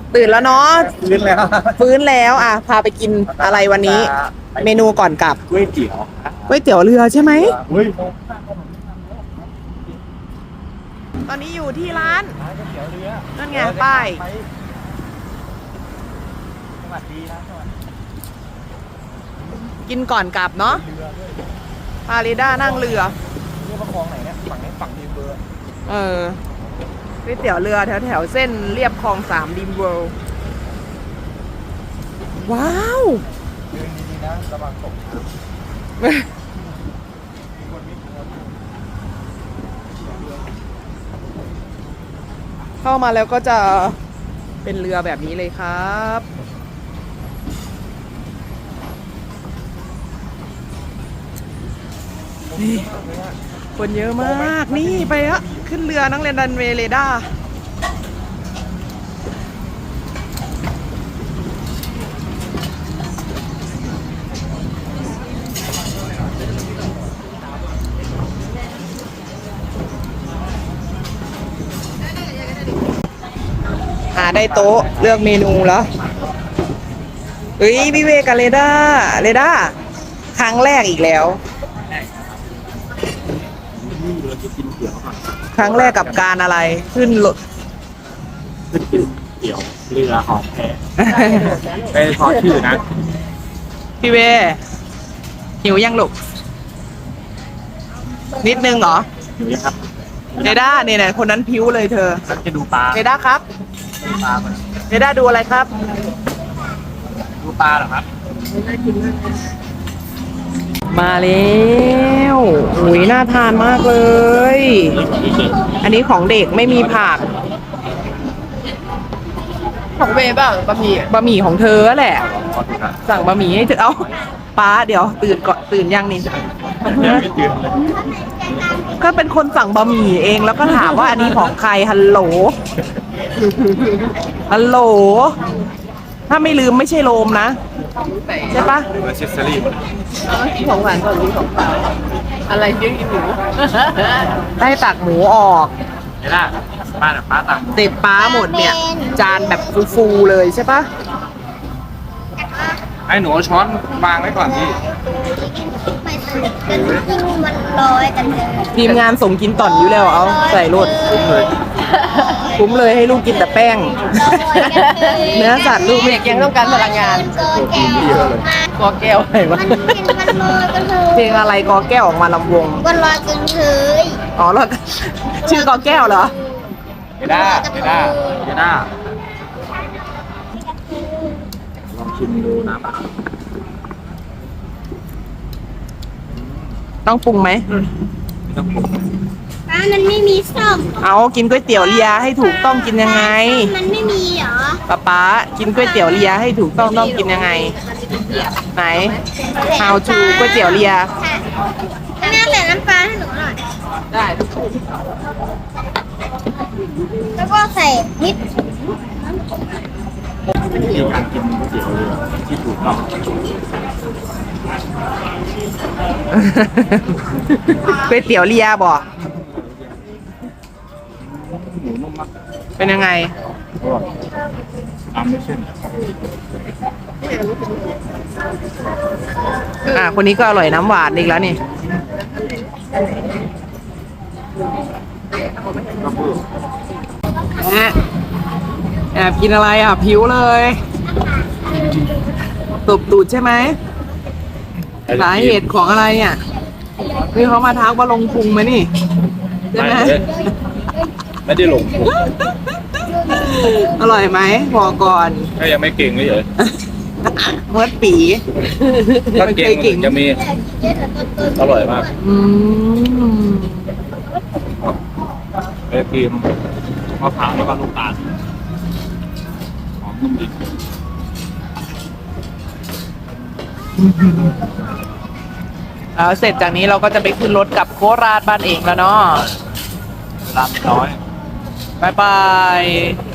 ตื่นแล้วเนาะฟื้นแล้วฟื้นแล้วอ่ะพาไปกินอะไรวันนี้ เมนูก่อนกลับก๋วยเตี๋ยวก๋วยเตี๋ยวเรือใช่ไหมอุ้ยตอนนี้อยู่ที่ร้านก๋วยเตี๋ยวเรือนั่นไงป้ายสวัสดีนะสวัสดีกินก่อนกลับเนาะเรือด้วยพาริด้านั่งเรือเรือประคองไหนเนี่ยฝั่งนี้ฝั่งดีเบอร์ก๋วยเตี๋ยวเรือแถวแถวเส้นเรียบคลอง3ดิมเวิลด์ว้าวเดินดีๆนะระวังตกน้ำมีคนวิ่งคนเข้ามาแล้วก็จะเป็นเรือแบบนี้เลยครับนี่คนเยอะมากนี่ไปอะขึ้นเรือนักเรียนดันเวย์เรดาร์ได้โต๊ะเลือกเมนูแล้วเฮ้ยพี่เวกับเรดาร์ครั้งแรกอีกแล้วนี่เราจะกินเตี๋ยวก่อนครั้งแรกกับการอะไรขึ้นรถขึ้นกินเตี๋ยวเรือหอมแพไปขอชื่อนะพี่เวหิวยังลูกนิดนึงเหรออยู่นี่ครับเรด้าเนี่ยคนนั้นพิ้วเลยเธอเราจะดูปลาเรด้าครับดูปลาก่อนเรด้าดูอะไรครับดูปลาเหรอครับมาแล้วอุ้ยน่าทานมากเลย อันนี้ของเด็กไม่มีผักของเวบ้างบะหมี่บะหมี่ของเธอแหละขอดูนะสั่งบะหมี่ให้เธอเอาป้าเดี๋ยวตื่นก่อนตื่นยังนี่ยังไม่ตื่นเลยก็เป็นคนสั่งบะหมี่เองแล้วก็ถามว่าอันนี้ของใครฮัลโหลฮัลโหลถ้าไม่ลืมไม่ใช่โลมนะใช่ปะเอเซสซอรี่ที่ของหวานก่อนที่ของเปล่าอะไรเยอะอีหนูได้ตักหมูออกเห็นล่ะป้าเนี่ยป้าตังเสร็จป้าหมดเนี่ย จานแบบฟูๆเลยใช่ปะไอ้หนูเอาช้อนวางไว้ก่อนพี่ไม่ใช่กันจริงมันลอยกันเลยทีมงานส่งกินต่อนอยู่แล้วเอาใส่รถเลยคุ้มเลยให้ลูกกินแต่แป้ง เนื้อสัตว์ลูกไม่เด็กยังต้องการพลังงานโกินแก้วมากอแก้วอะไรวะมันเห็นมันลอยกันเลยเพลงอะไรกอแก้วออกมาลำวงมันลอยกันเลยอ๋อแล้วชื่อกอแก้วเหรอเฮด้าเฮด้าเฮด้าลองชิมดูน้ำอ่ะต้องปรุงไหมไม่ต้องปรุงป้ามันไม่มีส้มเอากินก๋วยเตี๋ยวเรียให้ถูกต้องกินยังไงมันไม่มีเหรอป๊ากินก๋วยเตี๋ยวเรียให้ถูกต้องกินยังไง ไหน How to ก๋วยเตี๋ยวเรียค่ะแม่ใส่น้ำปลาให้หนูหน่อยได้แล้วก็ใส่นิดวิธีการกินก๋วยเตี๋ยวเรือที่ถูกต้องก๋วยเตี๋ยวเรียบ่หมูนุ่มมากเป็นยังไงอร่อยตามด้วยเส้นคนนี้ก็อร่อยน้ำหวานอีกแล้วนี่ แอบกินอะไรอ่ะผิวเลยตบตูดใช่ไหมสาเหตุของอะไรเนี่ยนี่เขามาทักว่าลงพุงไหมนี่ใช่ไหมไม่ได้หลงผมอร่อยไหมบอกก่อนก็ยังไม่เก่งเลยเหรอเมื่อปีถ้าเก่งจะมีอร่อยมากอืมไอครีมมะพร้าวแล้วก็ลูกตาลหอมนุ่มดีแล้วเสร็จจากนี้เราก็จะไปขึ้นรถกลับโคราชบ้านเองแล้วเนาะร้านน้อยบายบาย